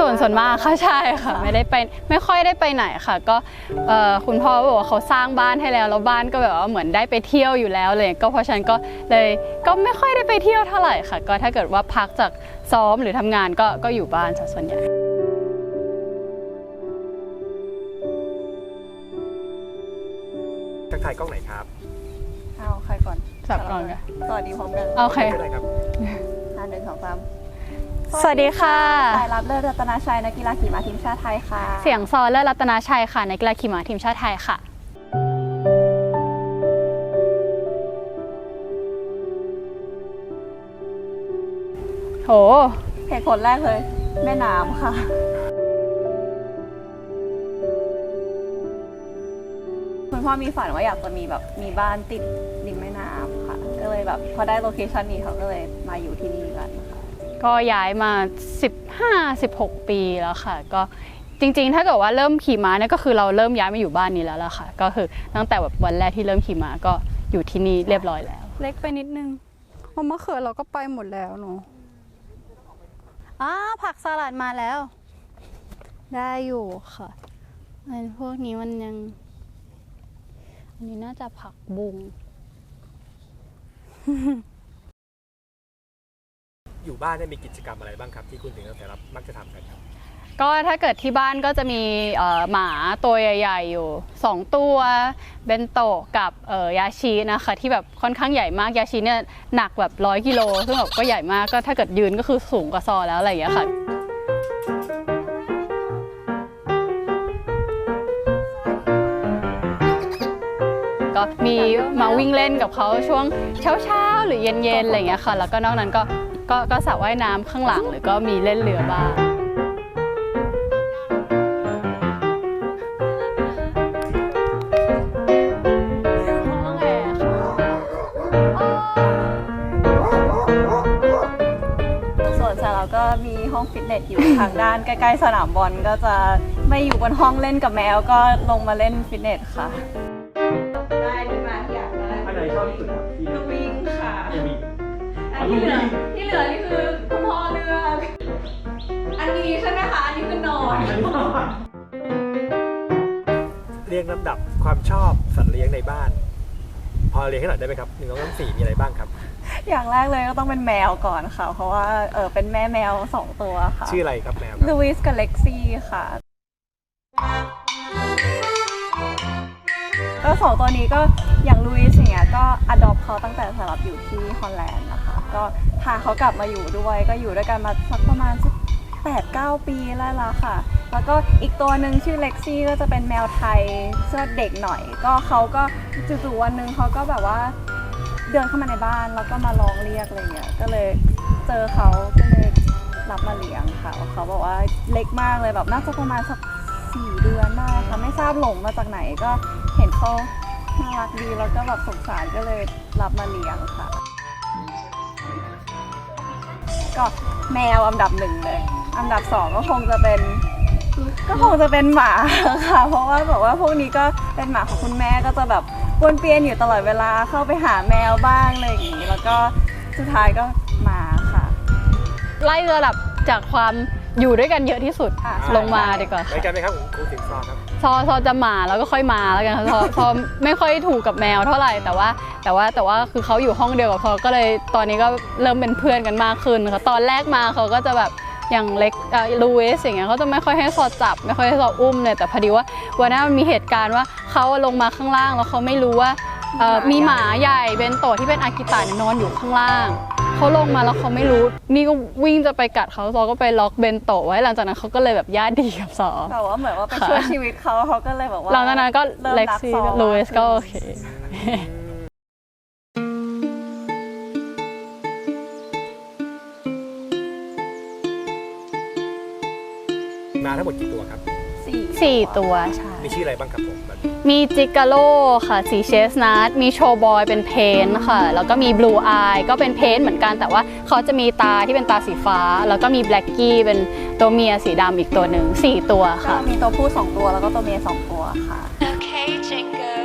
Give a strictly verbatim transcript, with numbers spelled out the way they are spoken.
ส่วนส่วนมากค่ะใช่ค่ะไม่ได้ไปไม่ค่อยได้ไปไหนค่ะก็คุณพ่อบอกว่าเขาสร้างบ้านให้แล้วแล้วบ้านก็แบบว่าเหมือนได้ไปเที่ยวอยู่แล้วเลยก็เพราะฉะนั้นก็เลยก็ไม่ค่อยได้ไปเที่ยวเท่าไหร่ค่ะก็ถ้าเกิดว่าพักจากซ้อมหรือทำงานก็ก็อยู่บ้านส่วนใหญ่ทักทายกล้องไหนครับเอาใครก่อนสับก่อนค่ะสวัสดีพร้อมกันโอเคได้ครับห้าหนึ่งสองสามสวัสดีค่ะสายรับเลิศรัตนาชัยนักกีฬาขี่ม้าทีมชาติไทยค่ะเสียงซอเลิศรัตนาชัยค่ะนักกีฬาขี่ม้าทีมชาติไทยค่ะโหเหตุผลแรกเลยแม่น้ำค่ะคุณพ่อมีฝันว่าอยากจะมีแบบมีบ้านติดริมแม่น้ำค่ะก็เลยแบบพอได้โลเคชันนี้เขาก็เลยมาอยู่ที่นี่กันค่ะก็ย้ายมา สิบห้า สิบหก ปีแล้วค่ะก็จริงๆถ้าเกิดว่าเริ่มขี่ม้าเนี่ยก็คือเราเริ่มย้ายมาอยู่บ้านนี้แล้วล่ะค่ะก็คือตั้งแต่แบบวันแรกที่เริ่มขี่ม้าก็อยู่ที่นี่เรียบร้อยแล้วเล็กไปนิดนึงเพราะมะเขือเราก็ไปหมดแล้วเนาะอ้าผักสลัดมาแล้วได้อยู่ค่ะอันพวกนี้มันยังอันนี้น่าจะผักบุ้งอยู่บ้านเนี่ยมีกิจกรรมอะไรบ้างครับที่คุณถึงแต่ละมักจะทำกันครับก็ถ้าเกิดที่บ้านก็จะมีหมาตัวใหญ่ๆอยู่สองตัวเบนโตะกับยาชินะคะที่แบบค่อนข้างใหญ่มากยาชิเนี่ยหนักแบบร้อยกิโลซึ่งแบบก็ใหญ่มากก็ถ้าเกิดยืนก็คือสูงกว่าซอแล้วอะไรอย่างเงี้ยค่ะก็มีมาวิ่งเล่นกับเขาช่วงเช้าๆหรือเย็นๆอะไรอย่างเงี้ยค่ะแล้วก็นอกนั้นก็ก็ก็สระว่ายน้ำข้างหลังหรือก็มีเล่นเรือบ้างส่วนสาวเราก็มีห้องฟิตเนสอยู่ทางด้านใกล้ๆสนามบอลก็จะไม่อยู่บนห้องเล่นกับแมวก็ลงมาเล่นฟิตเนสค่ะได้ดีมากอยากได้อันไหนชอบที่สุดครับลูวิ่งค่ะอันที่เหลือที่เหลือนี่คือคุณพ่อเลือกอันนี้ใช่ไหมคะอันนี้คือนอนเรียงลำดับความชอบสัตว์เลี้ยงในบ้านพอเรียงให้หน่อยได้ไหมครับหนึ่งสองสามสี่มีอะไรบ้างครับอย่างแรกเลยก็ต้องเป็นแมวก่อนค่ะเพราะว่าเออเป็นแม่แมวสองตัวค่ะชื่ออะไรครับแมวลูวิสกับเล็กซี่ค่ะก็สองตัวนี้ก็อย่างลูอิสอย่างเงี้ยก็อดอปเขาตั้งแต่สำหรับอยู่ที่ฮอลแลนด์นะคะก็พาเขากลับมาอยู่ด้วยก็อยู่ด้วยกันมาสักประมาณสักแปดเก้าปีแล้วล่ะค่ะแล้วก็อีกตัวหนึ่งชื่อเล็กซี่ก็จะเป็นแมวไทยเสื้อเด็กหน่อยก็เขาก็จู่ๆวันหนึ่งเขาก็แบบว่าเดินเข้ามาในบ้านแล้วก็มาร้องเรียกอะไรเงี้ยก็เลยเจอเขาก็เลยรับมาเลี้ยงค่ะเขาบอกว่าเล็กมากเลยแบบน่าจะประมาณสักสี่เดือนได้ค่ะไม่ทราบหลงมาจากไหนก็เห็นเขาน่ารักดีแล้วก็แบบสงสารก็เลยรับมาเลี้ยงค่ะก็แมวอันดับหนึ่งเลยอันดับสองก็คงจะเป็นก็คงจะเป็นหมาค่ะเพราะว่าแบบว่าพวกนี้ก็เป็นหมาของคุณแม่ก็จะแบบวนเปียนอยู่ตลอดเวลาเข้าไปหาแมวบ้างอะไรอย่างนี้แล้วก็สุดท้ายก็หมาค่ะไล่ระดับจากความอยู่ด้วยกันเยอะที่สุดลงมาดีกว่าไปกันไหมครับครูถึงซอครับซอซอจะหมาแล้วก็ค่อยมาแล้วกันซอซอไม่ค่อยถูกกับแมวเท่าไหร่แต่ว่าแต่ว่าแต่ว่าคือเขาอยู่ห้องเดียวกับซอก็เลยตอนนี้ก็เริ่มเป็นเพื่อนกันมากขึ้นค่ะตอนแรกมาเขาก็จะแบบอย่างเล็กลูอิสอย่างเงี้ยเขาจะไม่ค่อยให้ซอจับไม่ค่อยให้ซออุ้มเลยแต่พอดีว่าวันนั้นมันมีเหตุการณ์ว่าเขาลงมาข้างล่างแล้วเขาไม่รู้ว่ามีหมาใหญ่เบนโตะที่เป็นอากิตะนอนอยู่ข้างล่างเขาลงมาแล้วเขาไม่รู้นี่ก็วิ่งจะไปกัดเขาซอก็ไปล็อกเบนโตะไว้หลังจากนั้นเขาก็เลยแบบญาติดีกับซอแต่ว่าเหมือนว่าไปช่วยชีวิตเขาเขาก็เลยแบบว่าหลังจากนั้นก็เล็กซี่ลูอิสก็โอเคมาทั้งหมดกี่ตัวครับสี่ตัวใช่มีชื่ออะไรบ้างครับผมมีจิกาโลค่ะสีเชสนัทมีโชบอยเป็นเพนค่ะแล้วก็มีบลูอายก็เป็นเพนเหมือนกันแต่ว่าเขาจะมีตาที่เป็นตาสีฟ้าแล้วก็มีแบล็กกี้เป็นตัวเมียสีดำอีกตัวหนึ่งสี่ตัวค่ะมีตัวผู้สองตัวแล้วก็ตัวเมียสองตัวค่ะ Okay, Jingle